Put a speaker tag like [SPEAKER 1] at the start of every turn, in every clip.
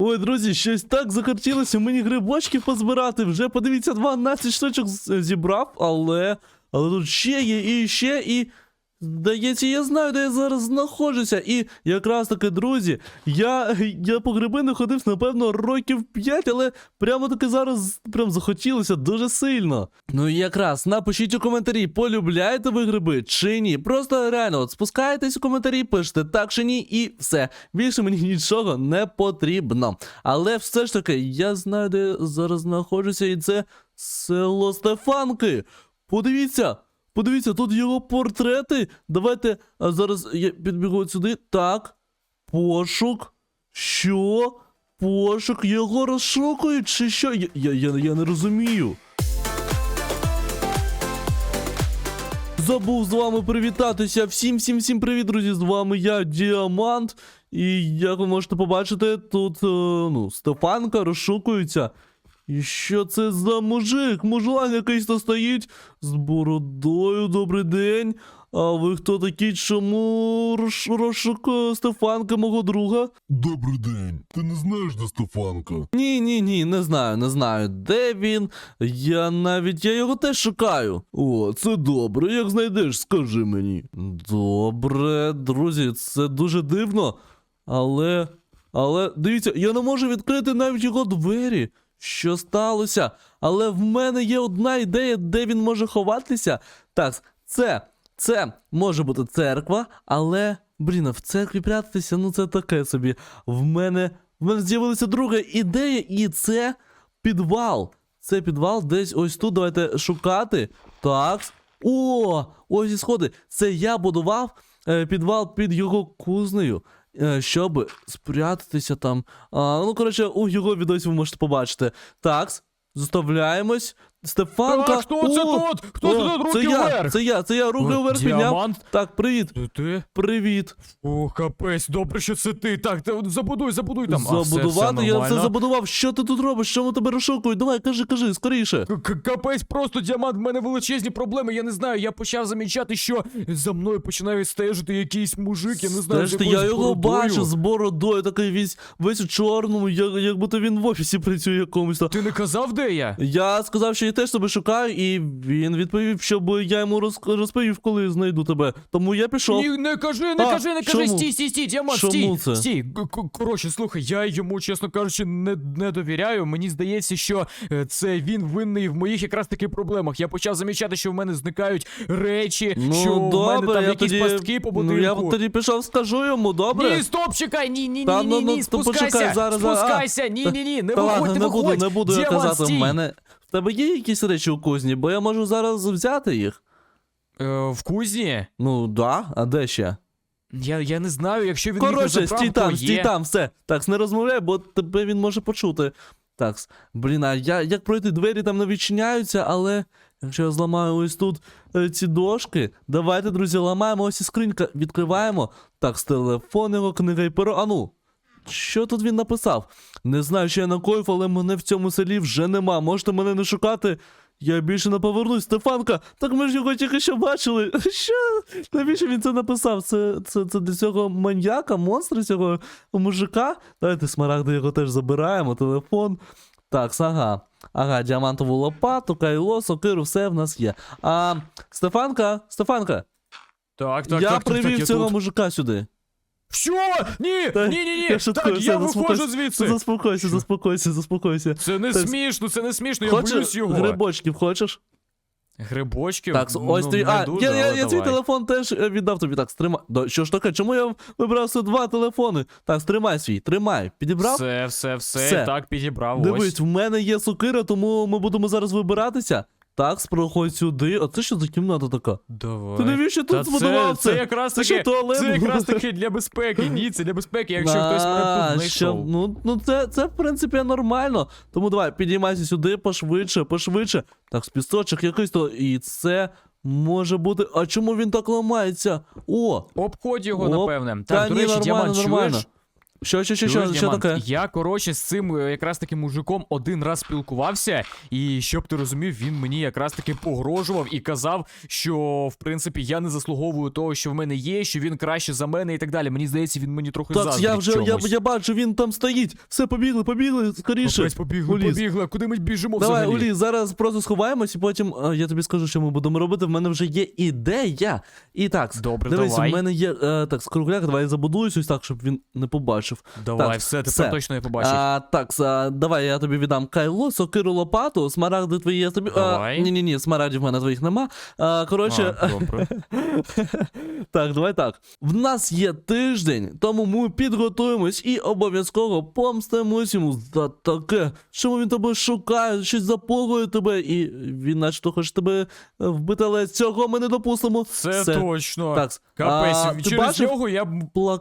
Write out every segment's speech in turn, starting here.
[SPEAKER 1] Ой, друзі, щось так захотілося мені грибочків позбирати. Вже, подивіться, 12 штучок зібрав, але тут ще є, і ще, і... Здається, я знаю, де я зараз знаходжуся. І якраз таки, друзі, я по гриби не ходив, напевно, років 5, але прямо таки зараз прям захотілося дуже сильно. Ну і якраз, напишіть у коментарі, полюбляєте ви гриби чи ні. Просто реально, от спускаєтесь у коментарі, пишете так чи ні, і все. Більше мені нічого не потрібно. Але все ж таки, я знаю, де я зараз знаходжуся, і це село Стефанки. Подивіться! Подивіться, тут його портрети. Давайте, зараз я підбігу сюди. Так. Пошук. Що? Пошук. Його розшукують чи що? Я не розумію. Забув з вами привітатися. Всім привіт, друзі. З вами я, Діамант. І як ви можете побачити, тут, Стефанка розшукується. І що це за мужик? Мужлан якийсь то стоїть з бородою, добрий день. А ви хто такий? Чому розшукує Стефанка, мого друга?
[SPEAKER 2] Добрий день. Ти не знаєш, де Стефанка?
[SPEAKER 1] Ні, не знаю. Де він? Я його теж шукаю. О, це добре, як знайдеш, скажи мені. Добре, друзі, це дуже дивно. Але, дивіться, я не можу відкрити навіть його двері. Що сталося? Але в мене є одна ідея, де він може ховатися. Так, це може бути церква, але, в церкві прятатися, це таке собі. В мене з'явилася друга ідея, і це підвал. Це підвал десь ось тут, давайте шукати. Так, ось і сходи. Це я будував підвал під його кузнею. Щоб спрятатися там. У його відосі ви можете побачити. Так, заставляємось. Стефанка.
[SPEAKER 3] Так, хто це тут? Хто це тут? Руки вверх!
[SPEAKER 1] Це я руки вверх підняв.
[SPEAKER 3] Діамант?
[SPEAKER 1] Так, привіт.
[SPEAKER 3] Це ти?
[SPEAKER 1] Привіт.
[SPEAKER 3] О, капець, добре, що це ти. Так, забудуй там.
[SPEAKER 1] Забудувати? Я все
[SPEAKER 3] нормально.
[SPEAKER 1] забудував. Що ти тут робиш? Чому тебе розшукують? Давай, кажи, скоріше.
[SPEAKER 3] Капець, просто, Діамант, в мене величезні проблеми, я не знаю, я почав замічати, що за мною починає стежити якийсь мужик, я не знаю, з якоюсь
[SPEAKER 1] я його
[SPEAKER 3] бородою.
[SPEAKER 1] бачу з бородою, такий весь у чорному, як будто він в офісі працює якомусь.
[SPEAKER 3] Ти не казав, де я?
[SPEAKER 1] Я сказав, що я теж тебе шукаю, і він відповів, щоб я йому розповів, коли знайду тебе. Тому я пішов.
[SPEAKER 3] Ні, не кажи,
[SPEAKER 1] чому?
[SPEAKER 3] стій, Діамант,
[SPEAKER 1] Чому це?
[SPEAKER 3] стій. Коротше, слухай, я йому, чесно кажучи, не довіряю. Мені здається, що це він винний в моїх якраз таки проблемах. Я почав замічати, що в мене зникають речі, що в мене там якісь пастки по будинку.
[SPEAKER 1] Я тоді пішов, скажу йому, добре?
[SPEAKER 3] Ні, стоп, чекай, ні,
[SPEAKER 1] Почекай,
[SPEAKER 3] спускайся,
[SPEAKER 1] зараз.
[SPEAKER 3] ні, не
[SPEAKER 1] Та
[SPEAKER 3] виходь,
[SPEAKER 1] ладно, не буду я
[SPEAKER 3] Діамант,
[SPEAKER 1] казати,
[SPEAKER 3] стій.
[SPEAKER 1] в мене... В тебе є якісь речі у кузні? Бо я можу зараз взяти їх.
[SPEAKER 3] В кузні?
[SPEAKER 1] Да, а де ще?
[SPEAKER 3] Я не знаю, якщо він їх не забрав,
[SPEAKER 1] стій там, все. Так, не розмовляй, бо тебе він може почути. Так, а як пройти? Двері там не відчиняються, але якщо я зламаю ось тут ці дошки, давайте, друзі, ламаємо, ось і скринька, відкриваємо. Так, з телефон його, книга і перо, що тут він написав? Не знаю, що я накоїв, але мене в цьому селі вже нема. Можете мене не шукати. Я більше не повернусь. Стефанка, так ми ж його тільки що бачили. Що? Навіщо він це написав? Це для цього маньяка, монстра, цього мужика? Давайте смарагди його теж забираємо, телефон. Так, ага, діамантову лопату, кайло, сокиру, все в нас є. Стефанка.
[SPEAKER 3] Так,
[SPEAKER 1] Я привів цього мужика сюди.
[SPEAKER 3] Що? Ні! Так, я виходжу звідси!
[SPEAKER 1] Заспокойся.
[SPEAKER 3] Це не смішно, я боюсь його.
[SPEAKER 1] Грибочків хочеш?
[SPEAKER 3] Грибочків?
[SPEAKER 1] Так, ось ти. Я твій телефон теж віддав тобі. Так, стримай. Що ж таке? Чому я вибрав 2 телефони? Так, тримай. Підібрав?
[SPEAKER 3] Все. Так, підібрав,
[SPEAKER 1] Дивись, в мене є сокира, тому ми будемо зараз вибиратися. Так, проходь сюди. А це що за кімната така?
[SPEAKER 3] Давай.
[SPEAKER 1] Ти навіщо тут збудував це?
[SPEAKER 3] Це якраз
[SPEAKER 1] Це що,
[SPEAKER 3] таки,
[SPEAKER 1] туалет?
[SPEAKER 3] це якраз таки для безпеки. Ні, це для безпеки, якщо хтось мене тут знайшов.
[SPEAKER 1] Це в принципі нормально. Тому давай, підіймайся сюди пошвидше. Так, спісочок якийсь то. І це може бути. А чому він так ламається?
[SPEAKER 3] Обходь його, напевне.
[SPEAKER 1] Та
[SPEAKER 3] Так, до
[SPEAKER 1] ні,
[SPEAKER 3] речі, Діамант,
[SPEAKER 1] нормально.
[SPEAKER 3] чуєш?
[SPEAKER 1] Що
[SPEAKER 3] Чуєш, Діамант,
[SPEAKER 1] таке?
[SPEAKER 3] Я, коротше, з цим якраз таки мужиком один раз спілкувався, і щоб ти розумів, він мені якраз таки погрожував і казав, що в принципі я не заслуговую того, що в мене є, що він краще за мене і так далі. Мені здається, він мені трохи
[SPEAKER 1] Так,
[SPEAKER 3] заздрить чомусь.
[SPEAKER 1] я бачу, він там стоїть. Все, побігли, скоріше.
[SPEAKER 3] Капець, побігли,
[SPEAKER 1] У ліс.
[SPEAKER 3] побігли. Куди ми біжимо
[SPEAKER 1] Давай,
[SPEAKER 3] взагалі?
[SPEAKER 1] Улі, зараз просто сховаємось, і потім я тобі скажу, що ми будемо робити. В мене вже є ідея. І так,
[SPEAKER 3] Добре,
[SPEAKER 1] дивись,
[SPEAKER 3] давай.
[SPEAKER 1] у мене є так, скругляк, давай я забудуюсь ось так, щоб він не побачив.
[SPEAKER 3] Давай,
[SPEAKER 1] Так,
[SPEAKER 3] все, тепер точно я побачив.
[SPEAKER 1] Давай я тобі віддам кайло, сокиру, лопату, смарагди твої я тобі.
[SPEAKER 3] Давай.
[SPEAKER 1] Ні, смарагдів в мене твоїх нема. Коротше,
[SPEAKER 3] Добре.
[SPEAKER 1] так, давай так. В нас є тиждень, тому ми підготуємось і обов'язково помстимось йому за таке. Чому він тебе шукає, щось запугує тебе, і він начебто хоче тебе вбити, але цього ми не допустимо.
[SPEAKER 3] Це
[SPEAKER 1] Все.
[SPEAKER 3] точно.
[SPEAKER 1] Так,
[SPEAKER 3] Капець,
[SPEAKER 1] ти
[SPEAKER 3] через
[SPEAKER 1] бачив
[SPEAKER 3] нього я...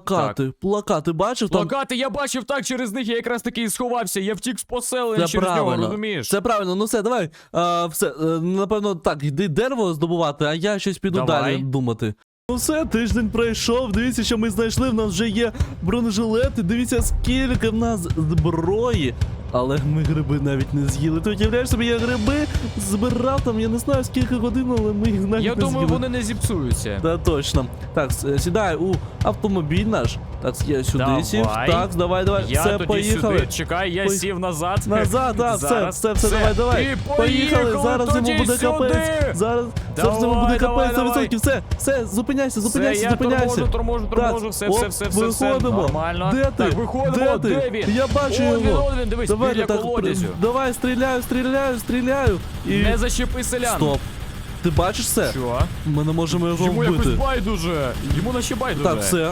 [SPEAKER 1] Плакати бачив там?
[SPEAKER 3] Плакати я бачив, так, через них я якраз таки і сховався. Я втік з поселення
[SPEAKER 1] Це
[SPEAKER 3] через нього,
[SPEAKER 1] правильно.
[SPEAKER 3] розумієш?
[SPEAKER 1] Це правильно, ну все, давай. Все, напевно, так, йди дерево здобувати, а я щось піду
[SPEAKER 3] Давай.
[SPEAKER 1] далі думати. Ну все, тиждень пройшов, дивіться, що ми знайшли, в нас вже є бронежилети, дивіться, скільки в нас зброї. Але ми гриби навіть не з'їли. Ти уявляєш собі, я гриби збирав там, я не знаю скільки годин, але ми їх навіть
[SPEAKER 3] Я
[SPEAKER 1] не
[SPEAKER 3] думаю,
[SPEAKER 1] з'їли.
[SPEAKER 3] вони не зіпсуються.
[SPEAKER 1] Та точно. Так, сідай у автомобіль наш. Так, я сюди
[SPEAKER 3] Давай.
[SPEAKER 1] сів. Так, давай,
[SPEAKER 3] Я
[SPEAKER 1] все,
[SPEAKER 3] тоді
[SPEAKER 1] поїхали.
[SPEAKER 3] сюди, чекай, я сів назад.
[SPEAKER 1] Назад, так,
[SPEAKER 3] Зараз,
[SPEAKER 1] все, давай.
[SPEAKER 3] І
[SPEAKER 1] Поїхали, зараз йому
[SPEAKER 3] тоді
[SPEAKER 1] буде
[SPEAKER 3] сюди.
[SPEAKER 1] капець. Зараз
[SPEAKER 3] Давай,
[SPEAKER 1] йому буде
[SPEAKER 3] давай,
[SPEAKER 1] капець, 100%. Все, зупиняйся.
[SPEAKER 3] Все, я торможу,
[SPEAKER 1] Так,
[SPEAKER 3] все,
[SPEAKER 1] оп,
[SPEAKER 3] все.
[SPEAKER 1] виходимо.
[SPEAKER 3] Нормально.
[SPEAKER 1] Де ти?
[SPEAKER 3] Так, виходимо, де він?
[SPEAKER 1] Я бачу його.
[SPEAKER 3] Він, дивись,
[SPEAKER 1] Давай,
[SPEAKER 3] біля
[SPEAKER 1] так,
[SPEAKER 3] колодязю.
[SPEAKER 1] давай, стріляю. І...
[SPEAKER 3] Не зачепи селян.
[SPEAKER 1] Стоп. Ти бачиш це?
[SPEAKER 3] Що?
[SPEAKER 1] Ми не можемо його
[SPEAKER 3] Йому якось
[SPEAKER 1] вбити.
[SPEAKER 3] байдуже. Йому наче байдуже.
[SPEAKER 1] Так, все,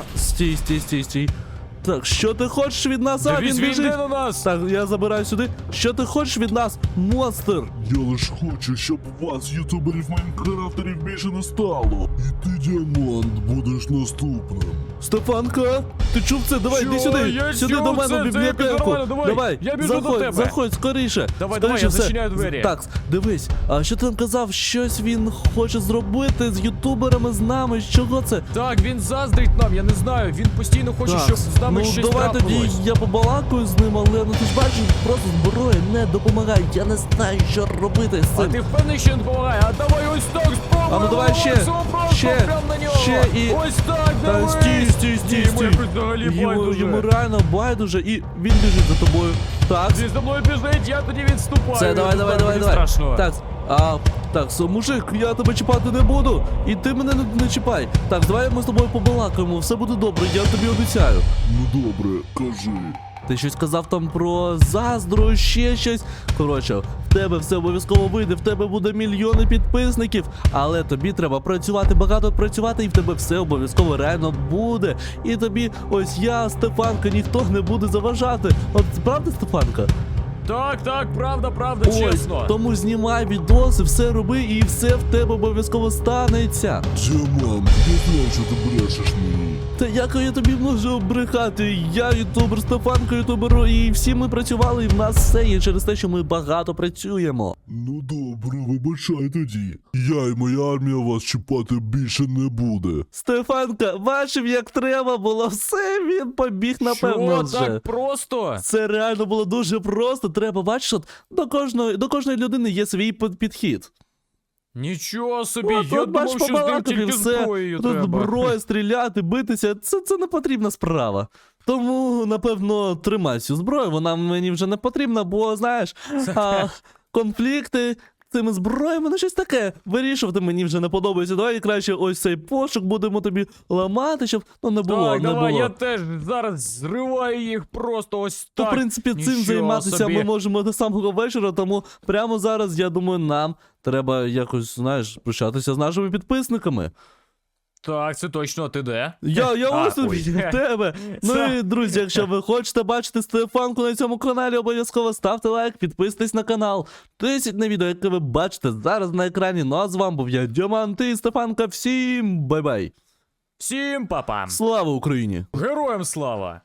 [SPEAKER 1] стій. Так, що ти хочеш від нас?
[SPEAKER 3] Дивись,
[SPEAKER 1] Він
[SPEAKER 3] він
[SPEAKER 1] біжить.
[SPEAKER 3] йде на нас.
[SPEAKER 1] Так, я забираю сюди. Що ти хочеш від нас, монстр?
[SPEAKER 2] Я лиш хочу, щоб вас, ютуберів майнкрафтерів, більше не стало. І ти, Діамант, будеш наступним.
[SPEAKER 1] Стефанка, ти чув це? Давай,
[SPEAKER 3] Що?
[SPEAKER 1] йди сюди.
[SPEAKER 3] Я
[SPEAKER 1] Сюди
[SPEAKER 3] чув
[SPEAKER 1] до мене
[SPEAKER 3] це,
[SPEAKER 1] в
[SPEAKER 3] це
[SPEAKER 1] бібліотеку.
[SPEAKER 3] нормально, давай. Я біжу до тебе.
[SPEAKER 1] Заходь, скоріше.
[SPEAKER 3] Давай,
[SPEAKER 1] Скоріше,
[SPEAKER 3] я
[SPEAKER 1] все.
[SPEAKER 3] зачиняю двері.
[SPEAKER 1] Так, дивись, а що ти там казав? Щось він хоче зробити з ютуберами, з нами. Чого це?
[SPEAKER 3] Так, він заздрить нам, я не знаю. Він постійно хоче,
[SPEAKER 1] Так,
[SPEAKER 3] щоб з нами
[SPEAKER 1] ну
[SPEAKER 3] щось
[SPEAKER 1] давай тоді
[SPEAKER 3] трапилось.
[SPEAKER 1] я побалакаю з ним, але ну ти ж бачиш, просто зброя не допомагає. Я не знаю, що робити з
[SPEAKER 3] А
[SPEAKER 1] цим.
[SPEAKER 3] ти впевнений, що він допомагає? А давай ось так спробуємо.
[SPEAKER 1] А ну давай ще,
[SPEAKER 3] Прям на нього.
[SPEAKER 1] ще і-
[SPEAKER 3] Ось так,
[SPEAKER 1] Та
[SPEAKER 3] давай.
[SPEAKER 1] стій.
[SPEAKER 3] Йому якось взагалі байдуже.
[SPEAKER 1] Йому реально байдуже, і він біжить за тобою. Так,
[SPEAKER 3] Він за мною біжить, я тоді відступаю.
[SPEAKER 1] все, давай.
[SPEAKER 3] Мені страшно.
[SPEAKER 1] Так, мужик, я тебе чіпати не буду, і ти мене не чіпай. Так, давай ми з тобою побалакаємо, все буде добре, я тобі обіцяю.
[SPEAKER 2] Ну добре, кажи.
[SPEAKER 1] Ти щось казав там про заздру, ще щось. Коротше, в тебе все обов'язково вийде, в тебе буде мільйони підписників, але тобі треба працювати, багато працювати, і в тебе все обов'язково реально буде. І тобі, ось я, Стефанка, ніхто не буде заважати. От правда, Стефанка?
[SPEAKER 3] Так, правда, чесно.
[SPEAKER 1] Тому знімай відоси, все роби, і все в тебе обов'язково станеться.
[SPEAKER 2] Діамант, я знаю, що ти брешеш мені.
[SPEAKER 1] Та як я тобі можу брехати? Я ютубер, Стефанка ютубер, і всі ми працювали, і в нас все є через те, що ми багато працюємо.
[SPEAKER 2] Ну добре, вибачай тоді. Я і моя армія вас чіпати більше не буде.
[SPEAKER 1] Стефанка, бачив, як треба було, все, він побіг, напевно,
[SPEAKER 3] Що,
[SPEAKER 1] вже.
[SPEAKER 3] так просто?
[SPEAKER 1] Це реально було дуже просто. Треба, бачиш, от до кожної людини є свій підхід.
[SPEAKER 3] Нічого собі,
[SPEAKER 1] От,
[SPEAKER 3] я
[SPEAKER 1] от, бачиш,
[SPEAKER 3] думав, що з ним
[SPEAKER 1] побалакав, і
[SPEAKER 3] тільки
[SPEAKER 1] все.
[SPEAKER 3] зброєю
[SPEAKER 1] Тут
[SPEAKER 3] треба.
[SPEAKER 1] зброя, стріляти, битися, це не потрібна справа. Тому, напевно, тримай цю зброю, вона мені вже не потрібна, бо, знаєш, конфлікти цими зброями, ну щось таке, вирішувати мені вже не подобається. Давай краще ось цей пошук будемо тобі ламати, щоб не було,
[SPEAKER 3] Так,
[SPEAKER 1] не
[SPEAKER 3] давай,
[SPEAKER 1] було.
[SPEAKER 3] я теж зараз зриваю їх просто ось
[SPEAKER 1] То,
[SPEAKER 3] так.
[SPEAKER 1] в принципі, цим
[SPEAKER 3] Нічого
[SPEAKER 1] займатися
[SPEAKER 3] собі.
[SPEAKER 1] ми можемо до самого вечора, тому прямо зараз, я думаю, нам треба якось, знаєш, прощатися з нашими підписниками.
[SPEAKER 3] Так, це точно, ти де?
[SPEAKER 1] Я ось тут
[SPEAKER 3] ой.
[SPEAKER 1] біля тебе. Ну і, друзі, якщо ви хочете бачити Стефанку на цьому каналі, обов'язково ставте лайк, підписуйтесь на канал. Тисять на відео, яке ви бачите зараз на екрані. Ну а з вами був я, Діамант, і Стефанка. Всім бай-бай.
[SPEAKER 3] Всім папа!
[SPEAKER 1] Слава Україні!
[SPEAKER 3] Героям слава!